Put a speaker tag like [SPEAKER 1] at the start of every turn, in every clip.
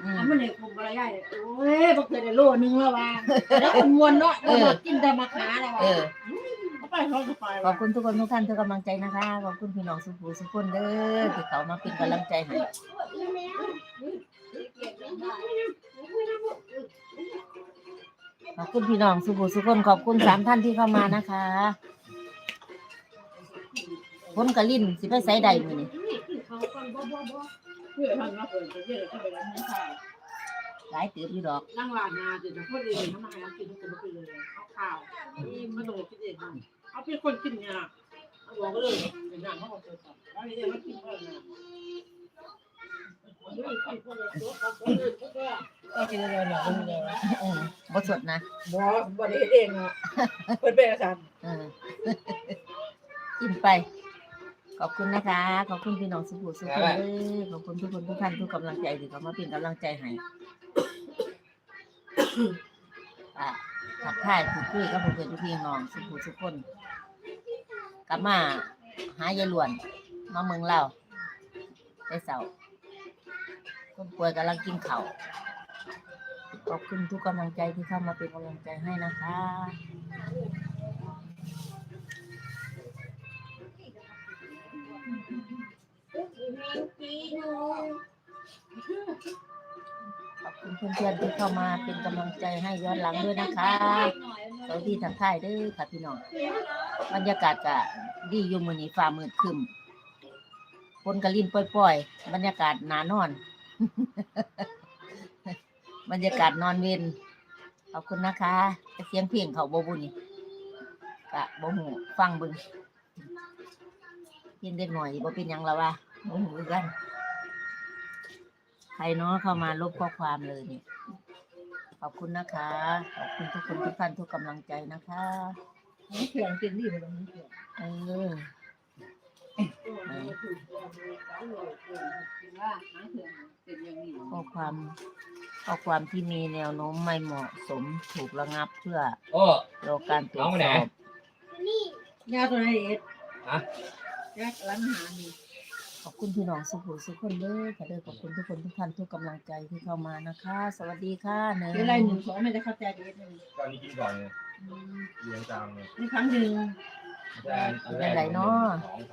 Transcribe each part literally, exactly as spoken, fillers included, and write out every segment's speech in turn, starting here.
[SPEAKER 1] เอามันเนี่ยคุมอะไรได้เลยโอ้ยบ่เคยได้โลนึงแล้วว่าแล้วคนมวนเนาะเออกินแต่มะขาแล้วว่าไปเขาก็ไป
[SPEAKER 2] ขอบคุณทุกคนทุกท่านทุกกำลังใจนะคะขอบคุณพี่น้องสุภูสุคนเด้อที่เขามาเป็นกำลังใจให้ขอบคุณพี่น้องสุภูสุคนขอบคุณสามท่านที่เข้ามานะคะคนกะลิ่นสิไปใส่ใดมื้อนี้หลายตืบอยู่ดอก
[SPEAKER 1] นั่งร้านนาจะจะพูดเลยทำไมเอากินจะไม่กินเลยเอาข้าวนี่มาโดดกินเองเอาเป็นคนกินเนี่ยเอาบอกเลยเดี๋ยวนั่งเขาบอกเจอกันแล้วนี่มันกินอะไรนะก็กินอะไรหน่อยก็มีอะไร
[SPEAKER 2] บ่สดนะ
[SPEAKER 1] บ่บ่ได้เองอ่ะเพิ่นเป็นอาจารย์
[SPEAKER 2] เออกินไปขอบคุณนะคะขอบคุณพี่น้องสุภูสุคนเด้อขอบคุณทุกคนทุกท่านทุกกำลังใจที่เขามาเป็นกำลังใจให้อ่ะทักทายพูดคุยกับเพื่อนๆพี่น้องสุภูสุคนกลับมาหายายหลวนมาเมืองเราได้เสาร์คนป่วยกำลังกินข้าวขอบคุณทุกกำลังใจที่เข้ามาเป็นกำลังใจให้นะคะขอบคุณเพื่อนๆที่เข้ามาเป็นกำลังใจให้ย้อนหลังด้วยนะคะสวัสดีทักทายเด้อค่ะพี่น้องบรรยากาศก็ดีอยู่มื้อนี้ฟ้ามืดครึ้มฝนก็ลิ่นปล่อยๆบรรยากาศหนานอน บรรยากาศนอนเวนขอบคุณนะคะเสียงเพลงเขาบ่บุนี่กะบ่ฮู้ฟังเบิ่งกินเด็กหน่อยบ่เป็นหยังแล้วว่าบ่ฮู้คือกันใครเนาะเข้ามาลบข้อความเลยนี่ขอบคุณนะคะขอบคุณทุกคนทุกท่านทุกกำลังใจนะคะ
[SPEAKER 1] เขื่อนกินดีบ่ต้องเขื่อน
[SPEAKER 2] เออข้อความข้อความที่มีแนวโน้มไม่เหมาะสมถูกระงับเพื่อรอการตรวจสอบ
[SPEAKER 1] ยาตัวไหนเอ็ดฮะยาร้านอาหารนี่
[SPEAKER 2] ขอบคุณพี่น้องสุภูสุคนเด้อค่ะเด้อขอบคุณทุกคนทุกท่านทุกกำลังใจที่เข้ามานะคะสวัสดีค่ะเนย
[SPEAKER 1] อะไรหนึ่งสองไม่ได้เข้าใจเอ็ดเลย
[SPEAKER 3] ตอนนี้กินก่อนเลยเลี้ยงจางเลย
[SPEAKER 1] นี่ครั้งหนึ่ง
[SPEAKER 2] เป็นไรเนาะ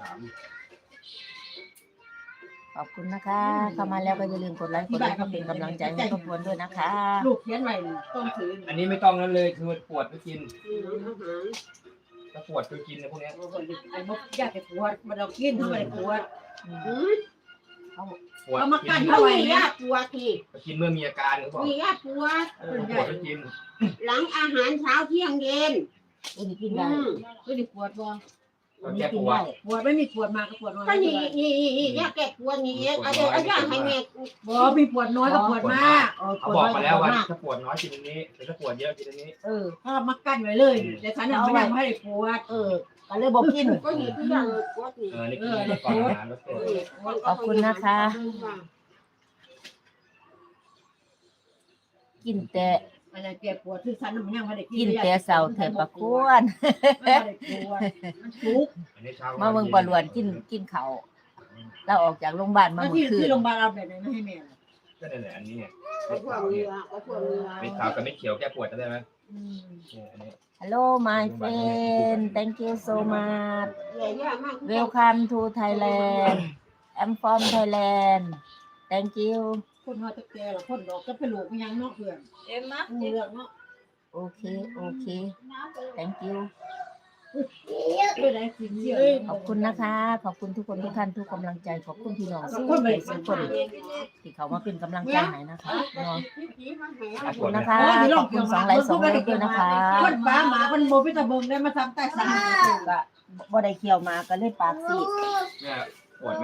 [SPEAKER 2] ขอบคุณนะคะเข้ามาแล้วก็อย่าลืมกดไลค์กดไลค์ก็เป็นกำลังใจให้ครอบครัวด้วยนะคะ
[SPEAKER 1] ลูกเขียนไว้ต้องถือ
[SPEAKER 3] อันนี้ไม่ต้องนั่นเลยคือปวดก็กินถ้าปวดก็กินนะพวกนี้
[SPEAKER 1] ไอ้มดยากจะปวดมันเรากินทำไมปวด
[SPEAKER 3] เอา
[SPEAKER 1] มากันเท่าไหร่ยากปวดที
[SPEAKER 3] กินเมื่อมีอาการเขาบอก
[SPEAKER 1] มียากปวด
[SPEAKER 3] ปวดก็กิน
[SPEAKER 1] หลังอาหารเช้าเที่ยงเย็น
[SPEAKER 2] ไม่ได้กินได้
[SPEAKER 1] ไม่ได้ปวดบ่
[SPEAKER 3] แก้ปวด
[SPEAKER 1] ปวดไม่มีปวดมาก็ปวดน้อย
[SPEAKER 4] ก็นี่นี่นี่ยาแก้ปวดนี่เอาเดี๋ยวเอายาให้แม่
[SPEAKER 1] บ่มีปวดน้อยก็ปวดมาก
[SPEAKER 3] เขาบอกมาแล้วว่าถ้าปวดน้อยกินอันนี้แต่ถ้าปวดเยอะกินอันนี้
[SPEAKER 1] เออถ้ามากั้นไว้เลยแต่ฉันยังไม่ได้ให้ปวด
[SPEAKER 2] เออก็เลยบอกกิน
[SPEAKER 4] ก็นี่ทุกอย่างปวดนี่
[SPEAKER 3] เออนี่กินก่อนอาหารแล้วปวด
[SPEAKER 2] ขอบคุณนะคะกินแต่
[SPEAKER 1] อะไรแก้ปวดคือฉันมันยังไม่ได้
[SPEAKER 2] กินแต่เสาเถิดประกวนมาเมืองปลวนกินกินเขาเราออกจากโรงพยาบาลมาเมื่อคืน
[SPEAKER 1] ที่โรงพยาบาลเอาแบบไหนไม่ให้แม่
[SPEAKER 3] ก็ได้แหละอันนี้ไง
[SPEAKER 4] ก็พวกเรือก็พวกเรือ
[SPEAKER 3] ไม่ขาวกับไม่เขียวแก้ปวดได้ไหม
[SPEAKER 2] Hello my friend thank you so much welcome to Thailand I'm from Thailand thank you
[SPEAKER 1] คนเขาจะแก่หรอคนดอกก็เป็นลูกยังเนาะเพื่อน
[SPEAKER 4] เอ็มนะ
[SPEAKER 1] เรื่องเนาะ
[SPEAKER 2] โอเคโอเค thank you ขอบคุณนะคะขอบคุณทุกคนทุกท่านทุกกำลังใจขอบคุณพี่น้องทุกคนทุกคนที่เขามาเป็นกำลังใจให้นะคะขอบคุณนะคะขอบคุณสองไลค์สองไลค์ด้วยนะคะ
[SPEAKER 1] คนบ้าหมาคนโมพิตาเบิงได้มาทำใต้สาร
[SPEAKER 2] ก็บ่ได้เคี่ยวมาก็เลยปากซีด
[SPEAKER 3] เนี่ยปวดไหม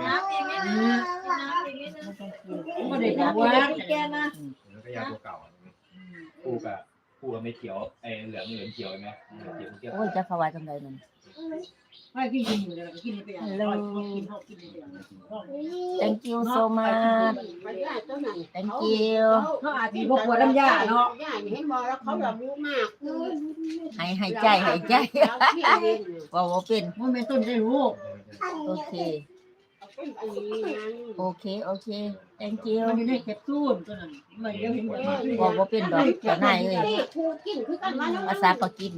[SPEAKER 1] ไม่ได้ปวดแกนะ
[SPEAKER 3] แล้วก็ยาตัวเก่าปูกับปูกับไม่เขียวไอ้เหลืองเหลืองเขียวไหม
[SPEAKER 2] โอ้ยจะขวายจังไดมัน
[SPEAKER 1] ไม่กินกินอยู่เลยกินไปอย่างกินเขากินไปอย่าง
[SPEAKER 2] thank you so much thank you
[SPEAKER 1] เขาอาจจะบอกว่าน้ำยาเนาะ
[SPEAKER 4] ยาให้มอแล้วเขาแบบรู้มาก
[SPEAKER 2] ให้ให้ใจให้ใจว่าว่าเป็น
[SPEAKER 1] ว่าเป็นต้นได้รู้
[SPEAKER 2] โอเค
[SPEAKER 4] กอันนี้นั้น
[SPEAKER 2] โอเคโอเค thank you
[SPEAKER 1] มันอยู่ในแคปซูลตัวนั้นมันเดี๋ยวเห็นหมด
[SPEAKER 2] บอกว่าเป็นดอกเจ้านายเอ้ย
[SPEAKER 4] นี่ครูกินคือกันว่าน้อง
[SPEAKER 2] ภาษาปากีส